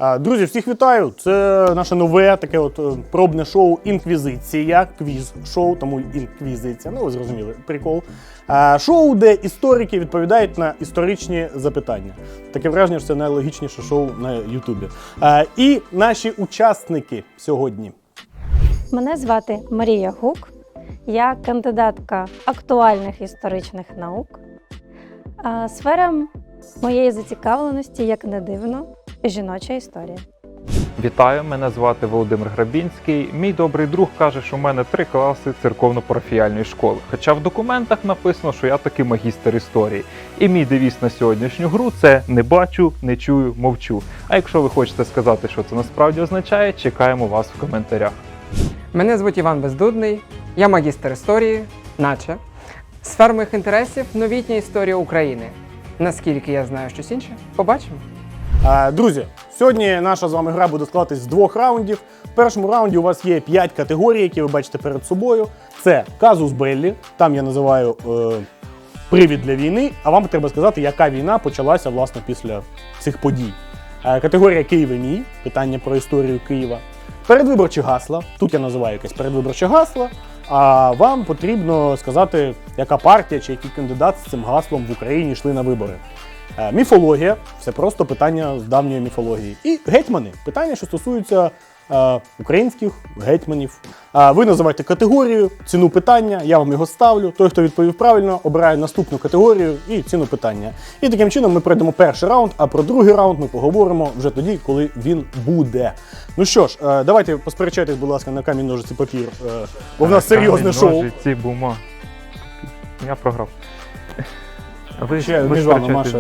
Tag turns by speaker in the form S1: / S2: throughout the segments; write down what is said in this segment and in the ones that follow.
S1: Друзі, всіх вітаю! Це наше нове таке пробне шоу «Інквізиція», квіз-шоу, тому інквізиція, ну ви зрозуміли, прикол. Шоу, де історики відповідають на історичні запитання. Таке враження, що це найлогічніше шоу на Ютубі. І наші учасники сьогодні.
S2: Мене звати Марія Гук, я кандидатка актуальних історичних наук. Сфера моєї зацікавленості, як не дивно, жіноча історія.
S3: Вітаю, мене звати Володимир Грабінський. Мій добрий друг каже, що в мене 3 класи церковно-парафіяльної школи. Хоча в документах написано, що я таки магістр історії. І мій девіз на сьогоднішню гру – це «не бачу, не чую, мовчу». А якщо ви хочете сказати, що це насправді означає, чекаємо вас в коментарях.
S4: Мене звуть Іван Бездудний, я магістр історії, наче. Сфера моїх інтересів – новітня історія України. Наскільки я знаю щось інше, побачимо.
S1: Друзі, сьогодні наша з вами гра буде складатись з 2 раундів. В першому раунді у вас є 5 категорій, які ви бачите перед собою. Це казус беллі, там я називаю привід для війни, а вам треба сказати, яка війна почалася, власне, після цих подій. Категорія «Київ і мій», питання про історію Києва. Передвиборчі гасла, тут я називаю якесь передвиборче гасло, а вам потрібно сказати, яка партія чи який кандидат з цим гаслом в Україні йшли на вибори. Міфологія – це просто питання з давньої міфології. І гетьмани – питання, що стосуються українських гетьманів. Ви називаєте категорію, ціну питання, я вам його ставлю. Той, хто відповів правильно, обирає наступну категорію і ціну питання. І таким чином ми пройдемо перший раунд, а про другий раунд ми поговоримо вже тоді, коли він буде. Ну що ж, давайте посперечайтесь, будь ласка, на камінь, ножиці, папір, бо в нас серйозне шоу.
S3: Ножиці, бумага. Я програв. Ви
S1: між вами, Маша.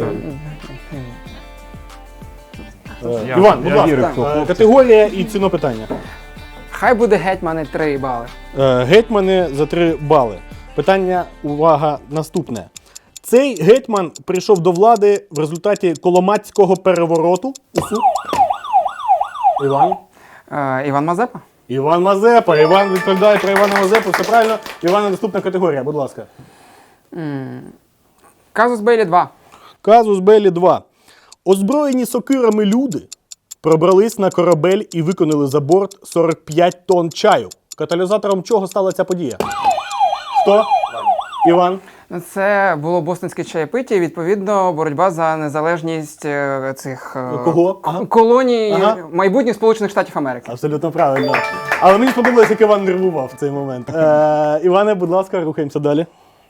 S3: Я
S1: Іван, будь
S3: вірю в
S1: ласка,
S3: хлопців.
S1: категорія і ціну питання.
S4: Хай буде гетьмани 3 бали.
S1: Гетьмани за 3 бали. Питання, увага, наступне. Цей гетьман прийшов до влади в результаті Коломацького перевороту. Іван?
S4: Іван Мазепа.
S1: Іван Мазепа. Іван відповідає про Івана Мазепу. Все правильно. Івана, наступна категорія, будь ласка.
S4: Казус Беллі 2.
S1: Казус Беллі 2. Озброєні сокирами люди пробрались на корабель і виконали за борт 45 тонн чаю. Каталізатором чого стала ця подія? Хто? Іван.
S4: Це було бостонське чаєпиття і, відповідно, боротьба за незалежність цих
S1: Кого? Ага.
S4: колоній
S1: Ага.
S4: майбутніх Сполучених Штатів Америки.
S1: Абсолютно правильно. Але мені сподобалось, як Іван нервував в цей момент. Іване, будь ласка, рухаємося далі.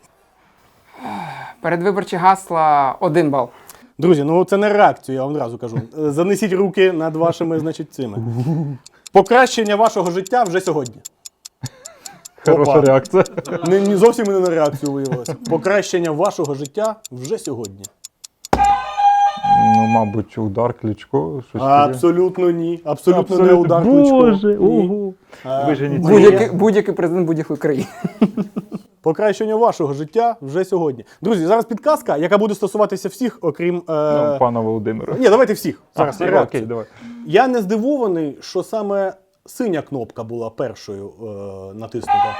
S4: Передвиборчі гасла 1 бал.
S1: Друзі, ну це не реакцію, я вам одразу кажу. Занесіть руки над вашими, значить, цими. Покращення вашого життя вже сьогодні.
S3: Хороша
S1: Опа.
S3: реакція.
S1: Не зовсім не на реакцію виявилося. Покращення вашого життя вже сьогодні.
S3: Ну, мабуть, удар Кличко. Щось таке.
S1: Абсолютно ні. Абсолютно не удар Кличко.
S3: Боже,
S1: Ні.
S3: ого. Виженіть.
S4: Будь-який президент будь-якої країни.
S1: Покращення вашого життя вже сьогодні. Друзі, зараз підказка, яка буде стосуватися всіх, окрім...
S3: Ну, пана Володимира.
S1: Ні, давайте всіх. Зараз
S3: Всі,
S1: реакцію.
S3: окей, давай.
S1: Я не здивований, що саме синя кнопка була першою натиснута.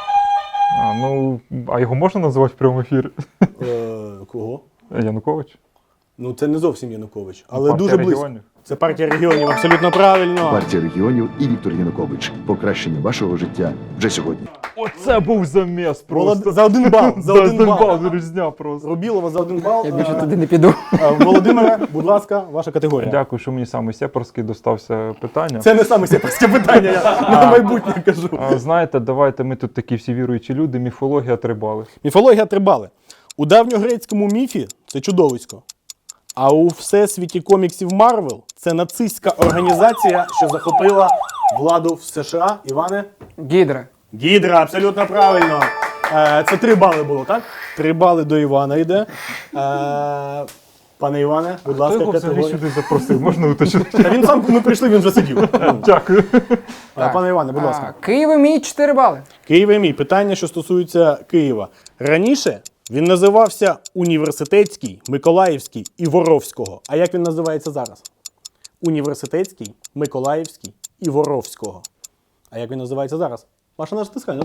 S3: А його можна називати в прямому ефірі?
S1: Кого?
S3: Янукович?
S1: Ну, це не зовсім Янукович, але
S3: Партія
S1: дуже близько.
S3: регіонів.
S1: Це партія регіонів, абсолютно правильно.
S5: Партія регіонів і Віктор Янукович. Покращення вашого життя вже сьогодні.
S3: Оце був заміс просто.
S1: За 1 бал. За 1 бал.
S3: Різня просто.
S1: Рубілова за 1 бал.
S4: Я більше туди не піду.
S1: Володимире, будь ласка, ваша категорія.
S3: Дякую, що мені саме сепарський достався питання.
S1: Це не саме сепарське питання, я на майбутнє кажу.
S3: Знаєте, давайте ми тут такі всі віруючі люди, міфологія 3 бали.
S1: Міфологія 3 бали. У давньогрецькому міфі це чудовисько. А у всесвіті коміксів Марвел це нацистська організація, що захопила владу в США. Іване?
S4: Гідра.
S1: Гідра, абсолютно правильно. Це 3 бали було, так? 3 бали до Івана йде. Пане Іване, будь
S3: Хто
S1: ласка,
S3: його взагалі
S1: категорія.
S3: сюди запросив? Можна уточнити?
S1: Та він сам, ми прийшли, він вже сидів.
S3: Дякую.
S1: Пане Іване, будь ласка.
S4: Київ і мій 4 бали.
S1: Київ і мій. Питання, що стосується Києва. Раніше він називався Університетський, Миколаївський і Воровського. А як він називається зараз? Університетський, Миколаївський і Воровського. А як він називається зараз? Маша, натискай.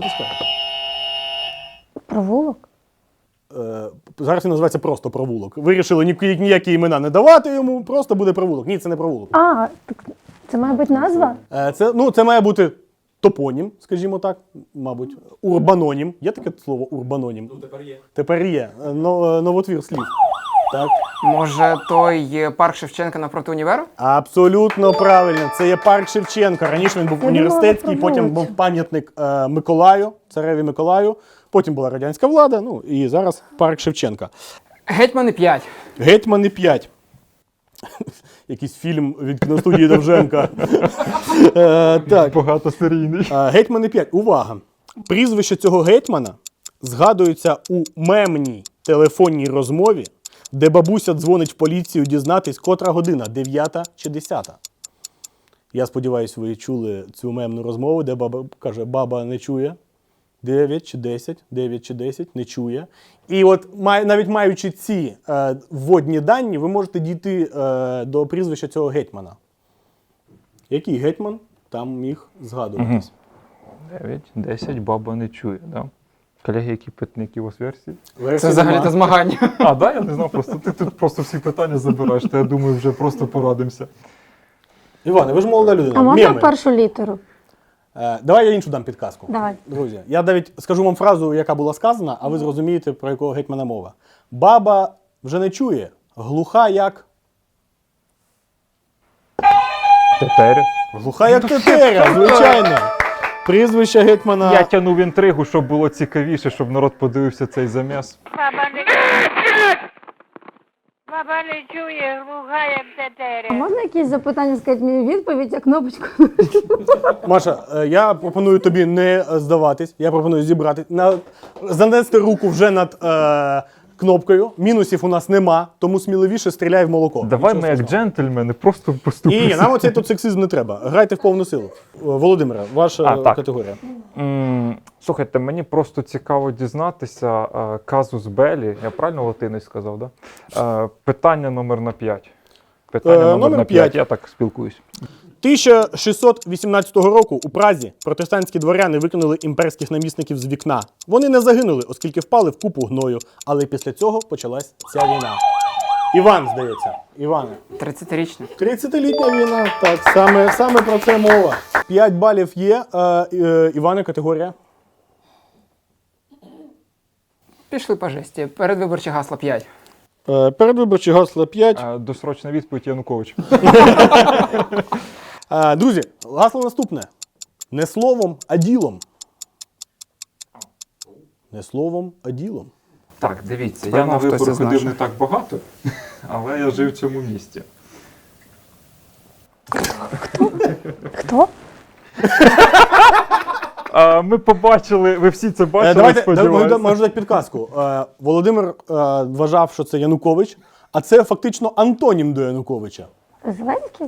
S2: Провулок?
S1: Зараз він називається просто провулок. Вирішили ніякі імена не давати йому, просто буде провулок. Ні, це не провулок.
S2: Так Це має бути назва?
S1: Це має бути топонім, скажімо так, мабуть. Урбанонім. Є таке слово урбанонім? Ну, тепер є. Тепер є. Новотвір слів. Так.
S4: Може, той парк Шевченка напроти універу?
S1: Абсолютно правильно. Це є парк Шевченка. Раніше він був університетський,
S2: думала,
S1: потім був пам'ятник Миколаю, цареві Миколаю. Потім була радянська влада, ну і зараз парк Шевченка.
S4: Гетьмани 5.
S1: Гетьмани 5. Якийсь фільм від кіностудії Довженка. Так.
S3: Багатосерійний.
S1: Гетьмани 5. Увага! Прізвище цього гетьмана згадується у мемній телефонній розмові, де бабуся дзвонить в поліцію дізнатись, котра година, 9 чи 10. Я сподіваюся, ви чули цю мемну розмову, де баба каже, баба не чує. 9 чи 10, 9 чи 10, не чує. І от навіть маючи ці вводні дані, ви можете дійти до прізвища цього гетьмана. Який гетьман там міг згадуватись?
S3: 9, 10, баба не чує, да? Колеги, які питники у вас версії?
S4: Це взагалі-то змагання.
S3: А, да, я не знав, просто ти тут просто всі питання забираєш, то я думаю, вже просто порадимося.
S1: Іване, ви ж молода людина.
S2: А можна
S1: Меми.
S2: першу літеру?
S1: Давай я іншу дам підказку.
S2: Давай.
S1: Друзі, я навіть скажу вам фразу, яка була сказана, а ви зрозумієте, про якого гетьмана мова. Баба вже не чує, глуха як...
S3: Тетеря.
S1: Глуха як тетеря, звичайно. Прізвище гетьмана...
S3: Я тягнув інтригу, щоб було цікавіше, щоб народ подивився цей заміс.
S6: Баба не чує, глуха, як
S2: А
S6: тетеря.
S2: можна якісь запитання сказати мені відповідь, а кнопочку?
S1: Маша, я пропоную тобі не здаватись, я пропоную зібрати, занести руку вже над кнопкою. Мінусів у нас нема, тому сміливіше стріляй в молоко.
S3: Давай
S1: Нічого
S3: ми як
S1: страшного.
S3: джентльмени просто
S1: Ні,
S3: поступимося.
S1: нам оцей тут сексизм не треба. Грайте в повну силу. Володимире, ваша
S3: так.
S1: категорія.
S3: Слухайте, мені просто цікаво дізнатися казус белі, я правильно латиною сказав, да? Питання номер 5. Питання номер
S1: номер
S3: 5,
S1: 5.
S3: я так спілкуюсь.
S1: 1618 року у Празі протестантські дворяни викинули імперських намісників з вікна. Вони не загинули, оскільки впали в купу гною, але після цього почалась ця війна. Іван, здається. Іване.
S4: 30-річний.
S1: 30-літня війна, так, саме про це мова. 5 балів є. Іване, категорія.
S4: Пішли по жесті. Передвиборче гасло 5.
S1: Передвиборчі гасло 5.
S3: Досрочна відповідь Янукович.
S1: Друзі, гасло наступне. Не словом, а ділом. Не словом, а ділом.
S3: Так, дивіться,
S4: Тепер
S3: я на
S4: мав хтось
S3: вибори
S4: із
S3: ходив
S4: наших.
S3: не так багато, але я жив в цьому місті.
S2: Хто?
S3: Ми побачили, ви всі це бачили,
S1: Давайте,
S3: сподіваюся.
S1: можу дати підказку. Володимир вважав, що це Янукович, а це фактично антонім до Януковича.
S2: Зеленський?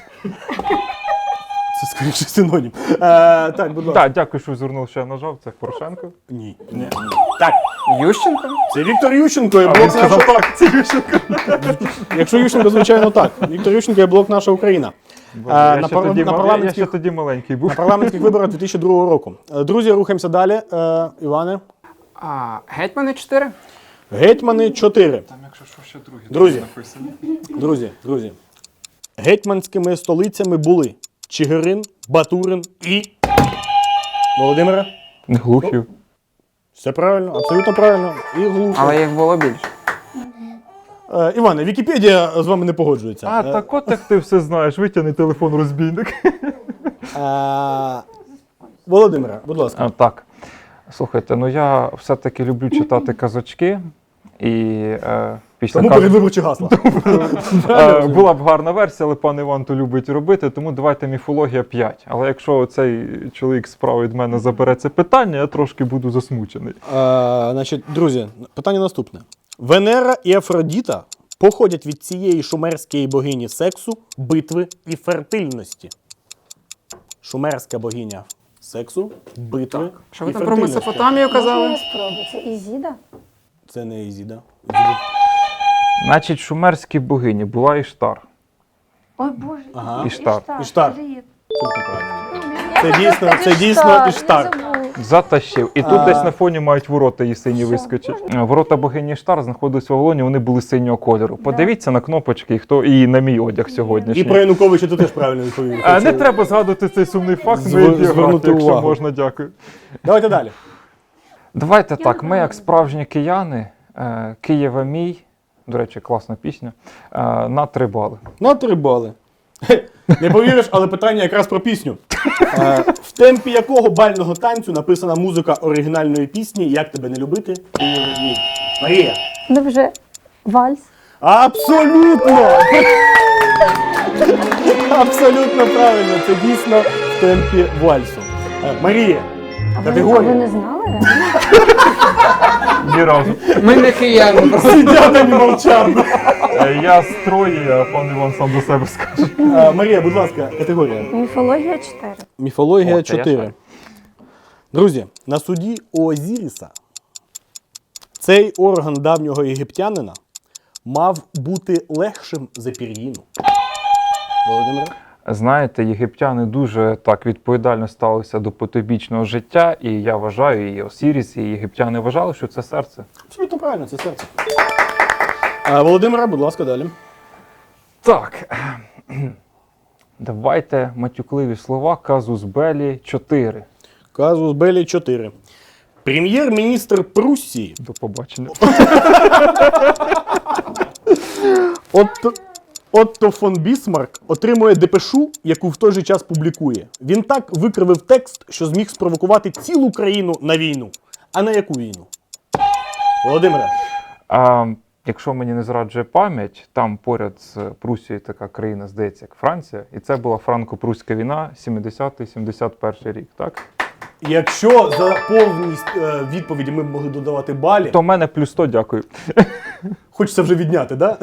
S1: Це скоріше синонім. Так, будь ласка.
S3: Так, дякую, що звернув, що я нажав, це Порошенко.
S1: Ні. Так,
S4: Ющенко?
S1: це Віктор Ющенко і
S3: А,
S1: блок
S3: він сказав
S1: наша...
S3: так, це Ющенко.
S1: Якщо Ющенко, звичайно, так. Віктор Ющенко і блок наша Україна.
S3: Я ще тоді маленький був.
S1: На парламентських виборах 2002 року. Друзі, рухаємося далі. Іване.
S4: Гетьмани 4.
S1: Гетьмани 4.
S3: Там, якщо що, ще другі
S1: Друзі.
S3: написані.
S1: Друзі. Гетьманськими столицями були Чигирин, Батурин і... Володимире?
S3: Глухів.
S1: Все правильно, абсолютно правильно. І Глухів.
S4: Але їх було більше.
S1: Іване, Вікіпедія з вами не погоджується.
S3: А, так от як ти все знаєш, витягни телефон розбійник.
S1: Володимире, будь ласка.
S3: Так. Слухайте, ну я все-таки люблю читати казочки. І після
S1: Тому передвиборчі гасла.
S3: була б гарна версія, але пан Іван то любить робити, тому давайте міфологія 5. Але якщо цей чоловік справа від мене забере це питання, я трошки буду засмучений.
S1: Значить, друзі, питання наступне. Венера і Афродіта походять від цієї шумерської богині сексу, битви і фертильності. Шумерська богиня сексу, битви
S4: Що ви
S1: і
S4: там про
S1: фертильності.
S4: Месопотамію казали?
S2: Я спробую. Це Ізіда?
S1: Це не Ізіда.
S3: Значить, шумерській богині була Іштар.
S2: Ой, Боже.
S1: Ага.
S3: Іштар.
S1: Іштар.
S2: Привіт.
S1: Абсолютно правильно.
S2: Я
S1: Це дійсно Іштар.
S2: Я забула.
S3: Затащив. І тут десь на фоні мають ворота її сині вискочить. Ворота богині Штар знаходились в Вавилоні, вони були синього кольору. Подивіться на кнопочки, хто і на мій одяг сьогоднішній.
S1: І про Януковича ти теж правильно відповів.
S3: Не треба згадувати цей сумний факт,
S1: Звернути
S3: якщо
S1: увагу.
S3: можна, дякую.
S1: Давайте далі.
S3: Давайте так, ми як справжні кияни, Києва мій, до речі, класна пісня, на 3 бали.
S1: На 3 бали. Не повіриш, але питання якраз про пісню. В темпі якого бального танцю написана музика оригінальної пісні «Як тебе не любити, Києве мій». Марія.
S2: Ну вже вальс.
S1: Абсолютно! Абсолютно правильно. Це дійсно в темпі вальсу. Марія.
S2: А ви
S1: Категорія.
S2: не знали? реально?
S3: Ні разу.
S4: Ми не кияни, просто
S1: Сидять і мовчав.
S3: Я з Трої, а пан Іван сам до себе скаже.
S1: Марія, будь ласка, категорія.
S2: Міфологія 4.
S1: Міфологія
S3: О, це я
S1: 4.
S3: знаю.
S1: Друзі, на суді Оозіріса цей орган давнього єгиптянина мав бути легшим за пір'їну. Володимире?
S3: Знаєте, єгиптяни дуже так відповідально ставилися до потойбічного життя, і я вважаю, і Осіріс, і єгиптяни вважали, що це серце.
S1: Абсолютно правильно, це серце. Володимире, будь ласка, далі.
S3: Так, давайте матюкливі слова, казус белі 4.
S1: Казус Белі 4. Прем'єр-міністр Пруссії
S3: До побачення.
S1: Отто фон Бісмарк отримує депешу, яку в той же час публікує. Він так викривив текст, що зміг спровокувати цілу країну на війну. А на яку війну? Володимире.
S3: Якщо мені не зраджує пам'ять, там поряд з Прусією така країна, здається, як Франція, і це була франко-пруська війна 70-71 рік, так?
S1: Якщо за повність відповіді ми б могли додавати балі,
S3: То в мене плюс 100, дякую.
S1: хочеться вже відняти, так?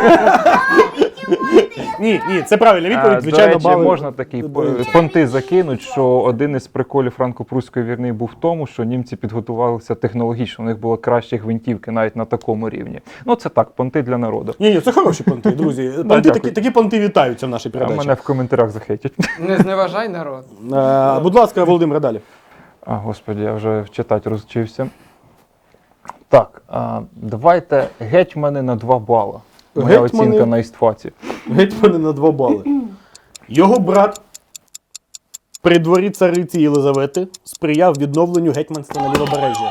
S1: Ні, це правильна відповідь, звичайно,
S3: До речі,
S1: бали.
S3: можна такі
S1: додаються.
S3: понти закинуть, що один із приколів франко-пруської війни був в тому, що німці підготувалися технологічно, у них було кращі гвинтівки навіть на такому рівні. Ну це так, понти для народу.
S1: Ні, це хороші понти, друзі.
S3: дякую.
S1: Такі понти вітаються в нашій
S3: А
S1: передачі.
S3: мене в коментарях захейтять.
S4: не зневажай народ.
S1: Будь ласка, Володимире, далі.
S3: Господи, я вже читати розчився. Так, давайте гетьмани на 2 бала. Моя
S1: Гетьмани-
S3: оцінка на істфаці.
S1: Гетьмани на 2 бали. Його брат при дворі цариці Єлизавети сприяв відновленню гетьманства на Лівобережжя.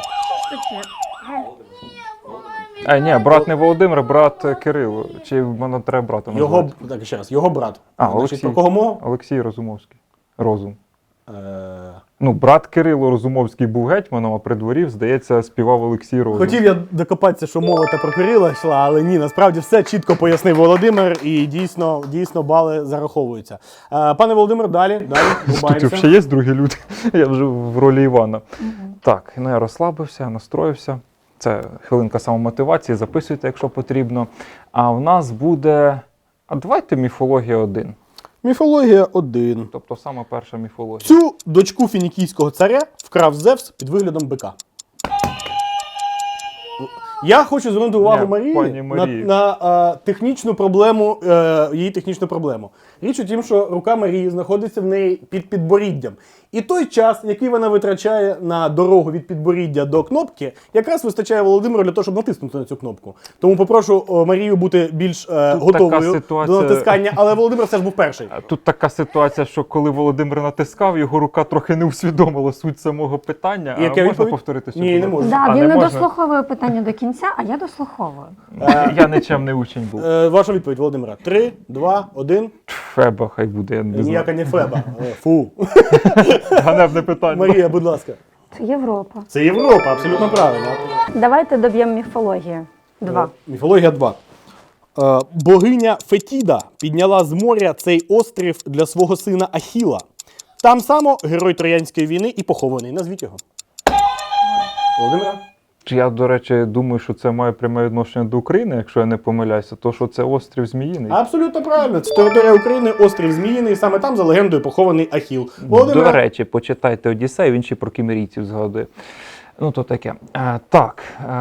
S3: Ні, брат не Володимир, брат Кирило. Чи мене треба братом
S1: Його,
S3: назвати?
S1: так, ще раз, його брат.
S3: Олексій.
S1: Значить, про кого мова?
S3: Олексій Розумовський. Розум.
S1: Е,
S3: Ну, брат Кирило Розумовський був гетьманом, а при дворі, здається, співав Олексій Розум.
S1: Хотів я докопатися, що мова та про Кирила йшла, але ні, насправді все чітко пояснив Володимир, і дійсно бали зараховуються. Пане Володимир, далі
S3: Тут
S1: рубаємося.
S3: взагалі є другі люди. Я вже в ролі Івана. Так, ну я розслабився, настроївся. Це хвилинка самомотивації, записуйте, якщо потрібно. А в нас буде. А давайте міфологія 1.
S1: Міфологія 1.
S3: Тобто саме перша міфологія.
S1: Цю дочку фінікійського царя вкрав Зевс під виглядом бика. Я хочу звернути увагу
S3: Ні,
S1: Марії
S3: пані Марії.
S1: на технічну проблему, її технічну проблему. Річ у тім, що рука Марії знаходиться в неї під підборіддям. І той час, який вона витрачає на дорогу від підборіддя до кнопки, якраз вистачає Володимиру для того, щоб натиснути на цю кнопку. Тому попрошу Марію бути більш готовою
S3: ситуація-
S1: до натискання, але Володимир все ж був перший.
S3: Тут така ситуація, що коли Володимир натискав, його рука трохи не усвідомила суть самого питання.
S1: І яка
S3: можна
S1: відповідь?
S3: повторити цю
S1: Ні, не
S3: помилку?
S1: можу.
S2: Да,
S3: А,
S2: він не
S3: можна?
S2: дослуховує питання до кінця, а я дослуховую.
S3: Я нічим не учень був.
S1: Ваша відповідь, Володимира. 3, 2, 1.
S3: Феба хай буде, я не знаю.
S1: Ніяка не Феба. Фу.
S3: Ганебне питання.
S1: Марія, будь ласка.
S2: Це Європа.
S1: Це Європа, абсолютно правильно.
S2: Давайте доб'ємо міфологію. 2.
S1: Міфологія 2. Богиня Фетіда підняла з моря цей острів для свого сина Ахіла. Там само герой Троянської війни і похований. Назвіть його. Володимира?
S3: Я, до речі, думаю, що це має пряме відношення до України, якщо я не помиляюся, то що це острів Зміїний.
S1: Абсолютно правильно. Це територія України, острів Зміїний. Саме там за легендою похований Ахіл.
S3: До
S1: Володимира?
S3: речі, почитайте Одіссею, він ще про кімерійців згадує. Ну, то таке. Так.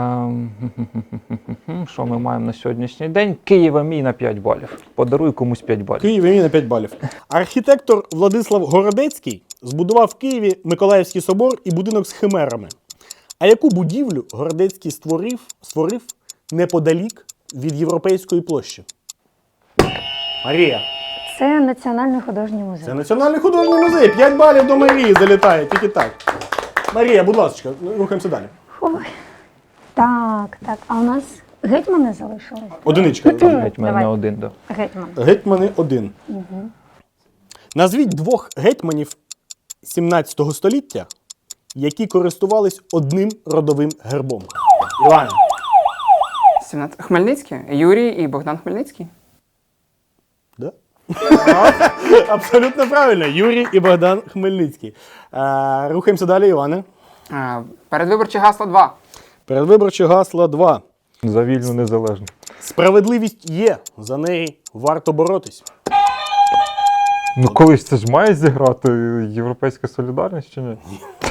S3: Що ми маємо на сьогоднішній день? Києва мій на 5 балів. Подаруй комусь 5 балів.
S1: Київ імені на 5 балів. Архітектор Владислав Городецький збудував в Києві Миколаївський собор і будинок з химерами. А яку будівлю Городецький створив неподалік від Європейської площі? Марія.
S2: Це Національний художній музей.
S1: Це Національний художній музей. 5 балів до Марії залітає, тільки так. Марія, будь ласка, рухаємося далі.
S2: Ой. Так. А у нас гетьмани залишились?
S1: Одиничка.
S3: Геть мене
S2: Давай.
S3: один, да.
S2: Гетьман.
S1: Гетьмани 1. Назвіть 2 гетьманів 17 століття, які користувались одним родовим гербом. Іван.
S4: 17. Хмельницький? Юрій і Богдан Хмельницький?
S1: Да? Абсолютно правильно. Юрій і Богдан Хмельницький. Рухаємося далі, Іване.
S4: Передвиборчі гасла 2.
S1: Передвиборче гасло 2.
S3: За вільну незалежну.
S1: Справедливість є, за неї варто боротись.
S3: Ну колись це ж має зіграти Європейська солідарність чи ні?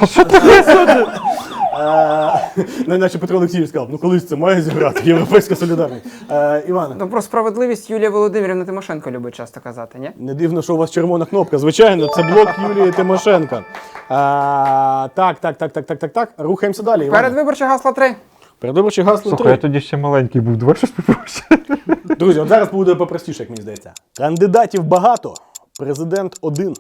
S1: Наче Петро Олексійович сказав, ну колись це має зіграти Європейська солідарність. Іване.
S4: Ну про справедливість Юлія Володимирівна Тимошенко любить часто казати, ні?
S1: Не дивно, що у вас червона кнопка. Звичайно, це блок Юлії Тимошенко. Так. Рухаємося далі. Іване.
S4: Передвиборчі гасла 3.
S1: Передвиборче гасло
S3: Слухай, я
S1: 3.
S3: тоді ще маленький був, давай щось попроще.
S1: Друзі, от зараз буде попростіше, як мені здається. Кандидатів багато, президент 1.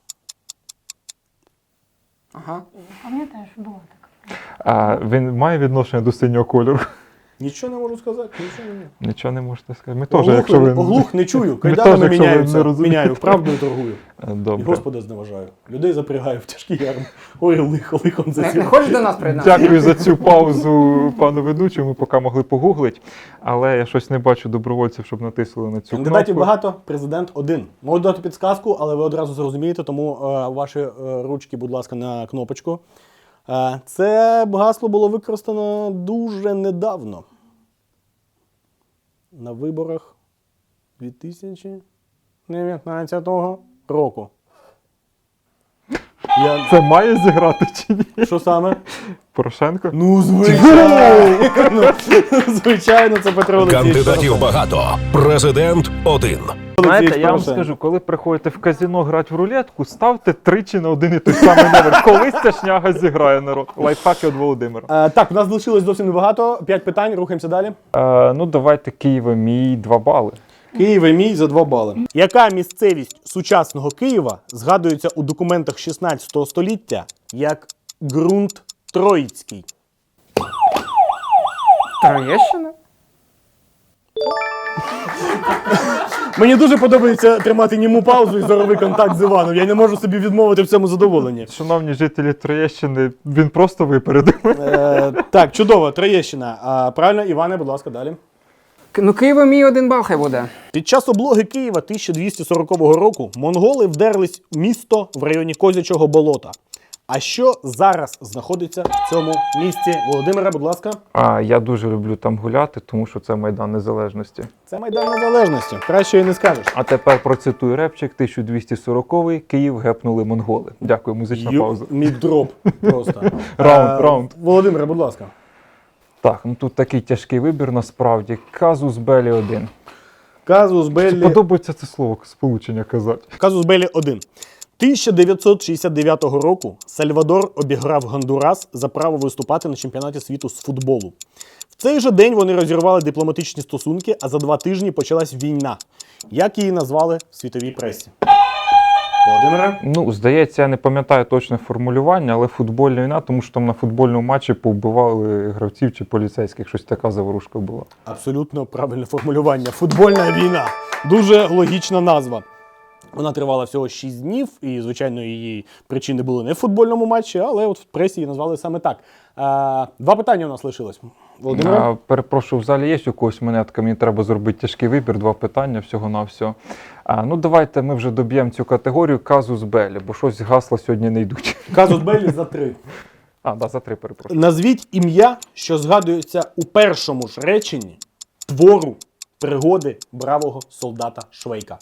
S4: Ага.
S2: Пам'ятаєш, було так.
S3: А він має відношення до синього кольору?
S1: Нічого не можу сказати, нічого не.
S3: Нічого не можете сказати. Ми теж, якщо ви...
S1: Оглух не чую,
S3: Ми
S1: кайданами
S3: теж, якщо ви не
S1: міняються,
S3: розумієте.
S1: міняю, правдою торгую. І
S3: Добре.
S1: Господа зневажаю. Людей запрягаю в тяжкі ярми. Ой, лихом
S4: Не
S1: засів.
S4: хочеш до нас приєднатися?
S3: Дякую за цю паузу, пану ведучому. Ми поки могли погуглити, але я щось не бачу добровольців, щоб натиснули на цю
S1: Кандидатів
S3: кнопку.
S1: багато, президент 1. Можу дати підсказку, але ви одразу зрозумієте, тому ваші ручки, будь ласка, на кнопочку. Це гасло було використано дуже недавно. На виборах 2019 року.
S3: Це має зіграти чи ні?
S1: Що саме?
S3: Порошенко?
S1: Ну, звичайно! Звичайно, це Петро Олексійович.
S7: Кандидатів багато. Президент 1.
S3: Знаєте, я вам
S1: Порошенко.
S3: скажу, коли приходите в казино грати в рулетку, ставте тричі на один і той самий номер. Колись ця шняга зіграє, народ. Лайфхаки від Володимира.
S1: Так, у нас залишилось зовсім небагато. 5 питань, рухаємося далі.
S3: Ну, давайте Києва мій 2 бали.
S1: Київ і мій за 2 бали. Яка місцевість сучасного Києва згадується у документах 16 століття як ґрунт Троїцький?
S4: Троєщина?
S1: Мені дуже подобається тримати німу паузу і зоровий контакт з Іваном. Я не можу собі відмовити в цьому задоволенні.
S3: Шановні жителі Троєщини, він просто випередив.
S1: Так, чудово, Троєщина. Правильно, Іване, будь ласка, далі.
S4: Ну Києво мій 1 бал хай буде.
S1: Під час облоги Києва 1240 року монголи вдерлись в місто в районі Козячого болота. А що зараз знаходиться в цьому місті? Володимире, будь ласка.
S3: Я дуже люблю там гуляти, тому що це Майдан Незалежності.
S1: Це Майдан Незалежності. Краще і не скажеш.
S3: А тепер процитую репчик, 1240-й, Київ гепнули монголи. Дякую, музична пауза.
S1: Міддроп просто.
S3: Раунд.
S1: Володимире, будь ласка.
S3: Так, ну тут такий тяжкий вибір насправді. Казус Белі 1.
S1: Казус Беллі.
S3: Подобається це слово, сполучення казати.
S1: Казус Беллі 1. 1969 року Сальвадор обіграв Гондурас за право виступати на чемпіонаті світу з футболу. В цей же день вони розірвали дипломатичні стосунки, а за 2 тижні почалась війна. Як її назвали в світовій пресі? Володимире?
S3: Ну, здається, я не пам'ятаю точне формулювання, але футбольна війна, тому що там на футбольному матчі повбивали гравців чи поліцейських. Щось така заворушка була.
S1: Абсолютно правильне формулювання. Футбольна війна. Дуже логічна назва. Вона тривала всього 6 днів, і, звичайно, її причини були не в футбольному матчі, але от в пресі її назвали саме так. 2 питання у нас лишилось. Володимир?
S3: Перепрошую, в залі є у когось монетка, мені треба зробити тяжкий вибір, 2 питання всього-навсього. Ну, давайте ми вже доб'ємо цю категорію казус Беллі, бо щось гасла сьогодні не йдуть.
S1: Казус Беллі за 3.
S3: За 3, перепрошую.
S1: Назвіть ім'я, що згадується у першому ж реченні твору «Пригоди бравого солдата Швейка».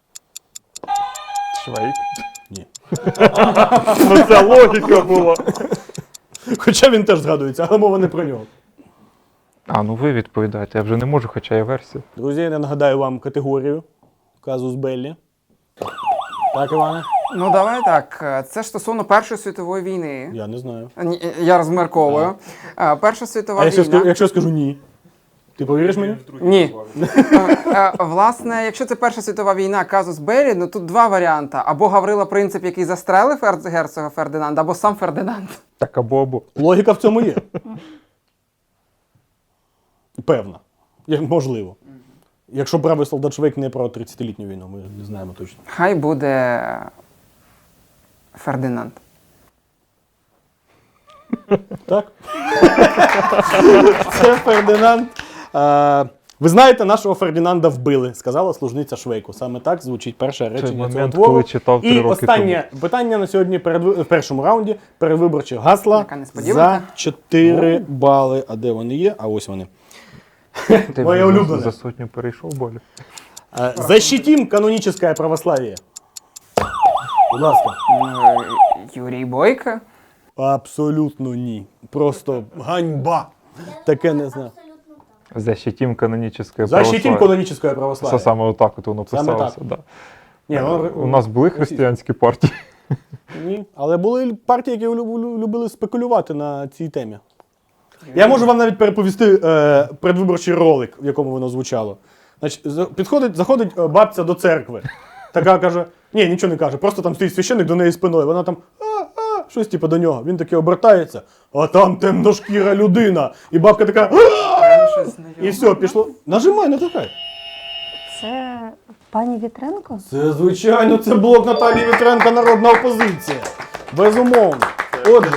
S3: Швейк.
S1: Ні.
S3: Ну, це логіка була.
S1: Хоча він теж згадується, але мова не про нього.
S3: Ну ви відповідаєте, я вже не можу, хоча є версія.
S1: Друзі, я нагадаю вам категорію казус Беллі. Так, Іване?
S4: Ну, давай так. Це ж стосовно Першої світової війни.
S1: Я не знаю.
S4: Я розмірковую. Перша світова
S1: А
S4: війна.
S1: якщо скажу ні? Ти повіриш мені?
S4: Ні. Власне, якщо це Перша світова війна, казус Беллі, ну тут два варіанти. Або Гаврила Принцип, який застрелив герцога Фердинанда, або сам Фердинанд.
S3: Так або.
S1: Логіка в цьому є. Певна. Можливо. Якщо правий солдат Швейк не про 30-літню війну, ми не знаємо точно.
S4: Хай буде Фердинанд.
S1: Так? Це Фердинанд. Ви знаєте, нашого Фердинанда вбили, сказала служниця Швейку. Саме так звучить перше речення цього
S3: момент,
S1: твору.
S3: коли читав 3
S1: І
S3: роки
S1: останнє питання на сьогодні в першому раунді. Передвиборчі гасла
S4: Яка несподіванка.
S1: за 4 бали. А де вони є? А ось вони.
S3: Ти
S1: Моє
S3: вже
S1: улюблене.
S3: за сотню перейшов, Болі?
S1: Защитим каноническое православие. Будь ласка.
S4: Юрій Бойко.
S1: Абсолютно ні. Просто ганьба. Таке не знаю.
S3: Защитим канонічне
S1: Защитим
S3: православие.
S1: каноническое
S3: Це
S1: православие.
S3: саме отак от воно
S1: Саме
S3: писалося.
S1: так.
S3: Да.
S1: Ні, воно
S3: У нас були християнські партії.
S1: Ні, але були партії, які любили спекулювати на цій темі. Я можу вам навіть переповісти предвиборчий ролик, в якому воно звучало. Значить, заходить бабця до церкви. Така каже, ні, нічого не каже, просто там стоїть священник до неї спиною. Вона там щось типу до нього. Він таки обертається, а там темношкіра людина. І бабка така і все, пішло. Нажимай, натискай.
S2: Це пані Вітренко?
S1: Це, звичайно, це блок Наталії Вітренко, народна опозиція. Безумовно. Отже,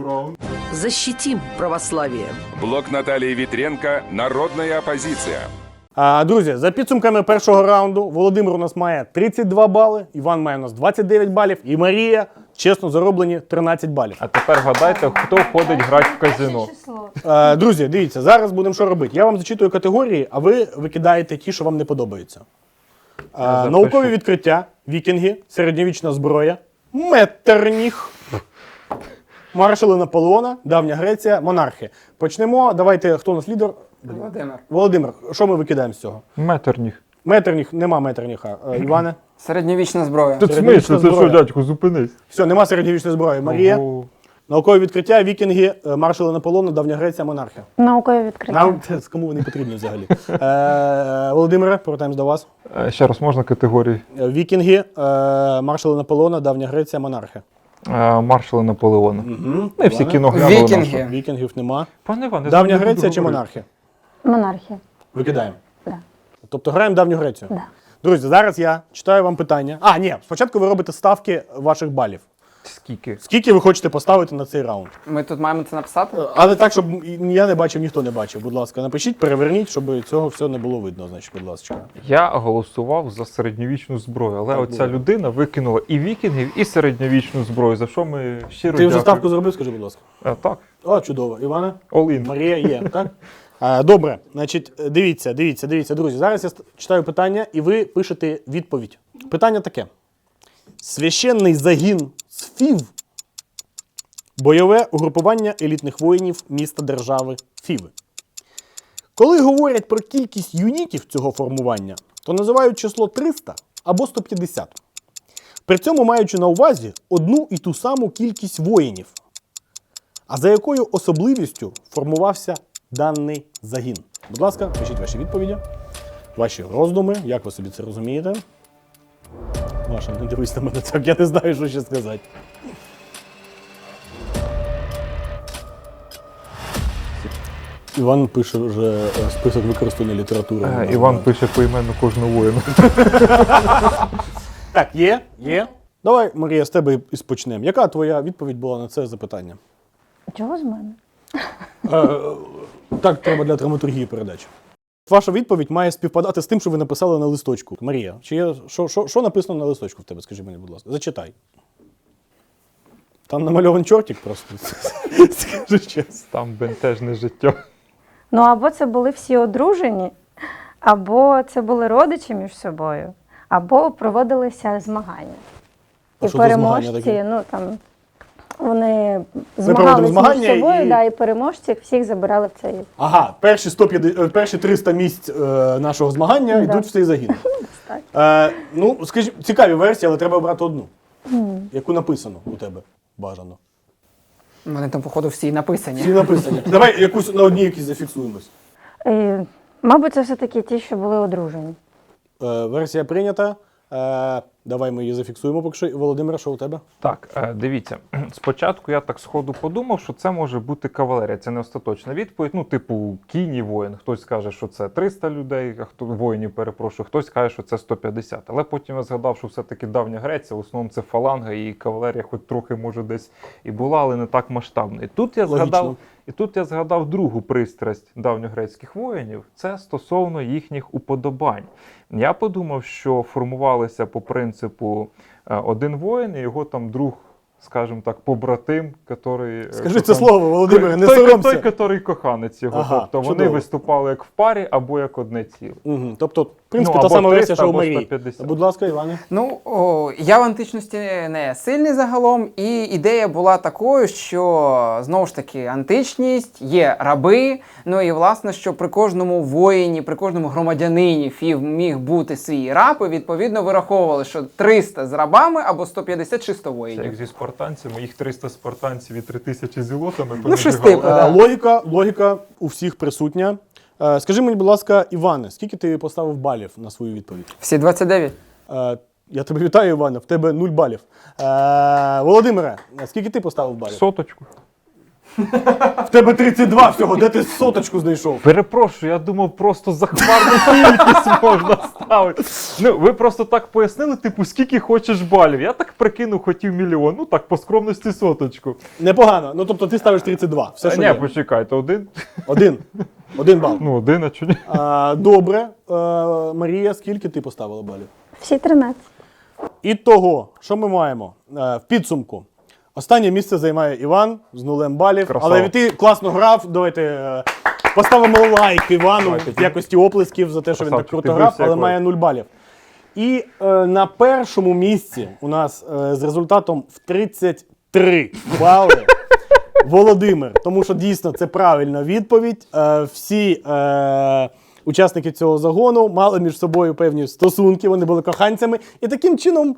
S8: Защитим православие.
S9: Блок Натальи Витренко «Народная оппозиция».
S1: друзі, за підсумками першого раунду Володимир у нас має 32 бали, Іван має у нас 29 балів і Марія, чесно, зароблені 13 балів.
S3: А тепер гадайте, хто ходить грати в казино.
S1: Друзі, дивіться, зараз будемо що робити. Я вам зачитую категорії, а ви викидаєте ті, що вам не подобаються. Наукові відкриття, вікінги, середньовічна зброя, Меттерніх, маршали Наполеона, Давня Греція, монархи. Почнемо. Давайте, хто у нас лідер?
S4: Володимир.
S1: Володимир, що ми викидаємо з цього?
S3: Метерніх.
S1: Меттерніх, нема Меттерніха. Іване?
S4: Середньовічна зброя.
S3: Тут
S1: Середньовічна
S3: смисл, це що,
S1: зброя.
S3: дядьку, зупинись.
S1: Все, нема середньовічної зброї. Марія?
S3: Ого.
S1: Наукові відкриття, вікінги, маршали Наполеона, Давня Греція, монархи.
S2: Наукові відкриття.
S1: Нам це кому вони потрібні взагалі. Володимире, повертаємось до вас.
S3: Ще раз, можна категорії?
S1: Вікінги, маршали Наполеона, Давня Греція, монархи.
S3: Маршали Наполеона. Ми всі кіно глянули.
S4: Вікінги.
S3: наше.
S1: Вікінгів нема.
S3: Пане Іване,
S1: Давня
S3: я не буду
S1: Греція чи
S3: говорити.
S1: монархи?
S2: Монархія.
S1: Викидаємо.
S2: Да.
S1: Тобто граємо Давню Грецію.
S2: Да.
S1: Друзі, зараз я читаю вам питання. Ні, спочатку ви робите ставки ваших балів.
S3: Скільки?
S1: Скільки ви хочете поставити на цей раунд?
S4: Ми тут маємо це написати?
S1: Але так, щоб я не бачив, ніхто не бачив. Будь ласка, напишіть, переверніть, щоб цього все не було видно, значить, будь ласка.
S3: Я голосував за середньовічну зброю, але
S1: Так
S3: оця
S1: було.
S3: людина викинула і вікінгів, і середньовічну зброю, за що ми щиро
S1: Ти вже
S3: дякуємо.
S1: ставку зробив, скажи, будь ласка.
S3: Так,
S1: О, чудово. Іване?
S3: all in.
S1: Марія є, так? Добре, значить, дивіться, друзі. Зараз я читаю питання, і ви пишете відповідь. Питання таке. Священний загін СФІВ – бойове угрупування елітних воїнів міста-держави Фіви. Коли говорять про кількість юнітів цього формування, то називають число 300 або 150. При цьому маючи на увазі одну і ту саму кількість воїнів. А за якою особливістю формувався даний загін? Будь ласка, пишіть ваші відповіді, ваші роздуми, як ви собі це розумієте. Маша, не дивись на мене так, я не знаю, що ще сказати. Іван пише вже список використаної літератури.
S3: Іван пише поіменно кожного воїна.
S1: Так, є. Давай, Марія, з тебе і почнемо. Яка твоя відповідь була на це запитання?
S2: Чого з мене?
S1: Так треба для драматургії передачі. Ваша відповідь має співпадати з тим, що ви написали на листочку. Марія, чи є, що написано на листочку в тебе, скажи мені, будь ласка. Зачитай. Там намальований чортик просто. Скажи чесно.
S3: Там бентежне життя.
S2: Ну, або це були всі одружені, або це були родичі між собою, або проводилися змагання.
S1: А
S2: І
S1: що за змагання
S2: переможці,
S1: такі?
S2: ну там, вони
S1: проводимо
S2: змагалися
S1: змагання
S2: між собою,
S1: і-
S2: да, і переможці всіх забирали в цей.
S1: Ага, перші 300 місць нашого змагання
S2: Да.
S1: йдуть в цей загін.
S2: Так.
S1: Ну, скажіть, цікаві версії, але треба обрати одну. яку написано у тебе бажано.
S4: У мене там, походу, всі написані.
S1: Всі написані. Давай якусь на одній якісь зафіксуємось.
S2: Мабуть, це все-таки ті, що були одружені.
S1: Версія прийнята. Давай ми її зафіксуємо поки що. Володимир, що у тебе?
S3: Так, дивіться, спочатку я так сходу подумав, що це може бути кавалерія, це не остаточна відповідь. Ну, типу, кінь і воїн. Хтось каже, що це 300 людей, а хто воїнів, перепрошую, хтось каже, що це 150. Але потім я згадав, що все-таки давня Греція, в основному це фаланга, і кавалерія хоч трохи, може, десь і була, але не так масштабна. І тут я згадав другу пристрасть давньогрецьких воїнів, це стосовно їхніх уподобань. Я подумав, що формувалися по принципу один воїн і його там друг, скажімо так, побратим, який...
S1: Скажи це слово, Володимире, не
S3: той,
S1: соромся.
S3: який коханець його.
S1: Ага,
S3: тобто вони
S1: чудово.
S3: виступали як в парі або як одне ціле.
S1: Угу. Тобто, в принципі,
S3: Ну,
S1: та
S3: або
S1: сама версія,
S3: 300,
S1: що у
S3: або
S1: Марії.
S3: 150.
S1: Будь ласка, Іване.
S4: Ну, я в античності не сильний загалом, і ідея була такою, що, знову ж таки, античність, є раби, ну і, власне, що при кожному воїні, при кожному громадянині міг бути свій раб, і, відповідно, вираховували, що 300 з рабами або 150 чи 100
S3: Це як
S4: воїнів.
S3: зі спартанцями, їх 300 спартанців і 3000 зілотами.
S4: Ну, щось
S3: понабігали.
S4: типу. Да.
S1: Логіка у всіх присутня. Скажи мені, будь ласка, Іване, скільки ти поставив балів на свою відповідь?
S4: Всі 29.
S1: Я тебе вітаю, Іване, в тебе 0 балів. Володимире, скільки ти поставив балів?
S3: Соточку.
S1: В тебе 32 всього, де ти соточку знайшов?
S3: Перепрошую, я думав, просто захмарну кількість можна ставити. Ну, ви просто так пояснили, типу, скільки хочеш балів. Я так прикинув, хотів мільйон. Ну так, по скромності соточку.
S1: Непогано. Ну, тобто ти ставиш 32. Все, що
S3: Ні,
S1: є.
S3: почекайте, один.
S1: Один бал.
S3: Ну, один, а чого ні?
S1: Добре. Марія, скільки ти поставила балів?
S2: Всі 13.
S1: Ітого, що ми маємо? В підсумку. Останнє місце займає Іван з 0 балів.
S3: Красава.
S1: Але ти класно грав. Давайте поставимо лайк Івану
S3: Давайте.
S1: в якості оплесків за те, що він так
S3: Красавчик,
S1: круто
S3: ти
S1: грав,
S3: бився,
S1: але
S3: як
S1: має 0 балів. І на першому місці у нас з результатом в 33 бали Володимир. Тому що дійсно це правильна відповідь. Всі учасники цього загону мали між собою певні стосунки, вони були коханцями. І таким чином,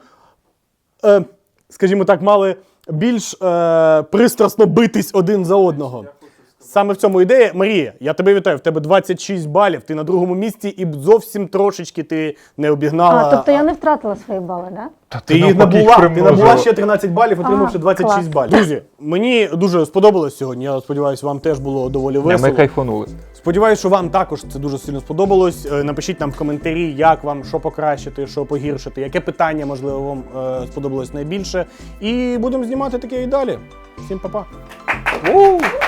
S1: скажімо так, мали більш пристрасно битись один за одного. Саме в цьому ідея. Марія, я тебе вітаю, в тебе 26 балів, ти на другому місці і зовсім трошечки ти не обігнала.
S2: Тобто я не втратила свої бали, так? Да?
S1: Ти їх набула ще 13 балів, отримавши 26
S2: клас.
S1: балів. Друзі, мені дуже сподобалось сьогодні, я сподіваюся, вам теж було доволі весело.
S3: Ми кайфанули.
S1: Сподіваюсь, що вам також це дуже сильно сподобалось. Напишіть нам в коментарі, як вам, що покращити, що погіршити, яке питання, можливо, вам сподобалось найбільше. І будемо знімати таке і далі. Всім па-па.